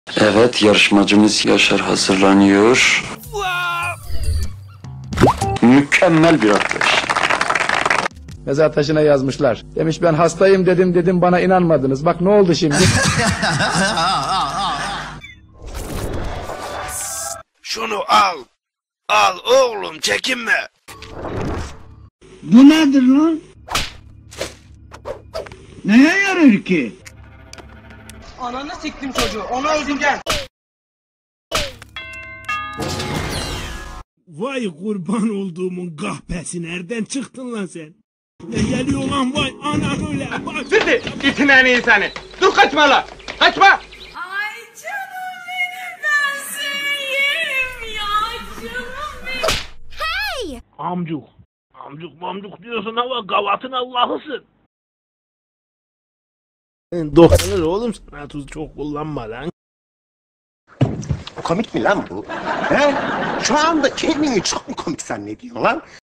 Evet, yarışmacımız Yaşar hazırlanıyor. Mükemmel bir atlayış. Mezar taşına yazmışlar. Demiş ben hastayım dedim bana inanmadınız. Bak ne oldu şimdi? Şunu al. Al oğlum, çekinme. Bu nedir lan? Neye yarar ki? Ananı siktim çocuğu. Onu öldüreceğim. Vay kurban olduğumun kahpesi, nereden çıktın lan sen? Ne geliyor lan, vay ana öyle bak. Sizi itin en iyi seni. Dur kaçma lan. Kaçma. Ay canım benim, ben seni yerim ya, canım benim. Hey! Amcuk. Amcuk diyorsun ama gavatın Allah'ısın. Doktor oğlum, sana tuz çok kullanma lan. Komik mi lan bu? He? Şu anda kendini çok mu komik zannediyorsun lan?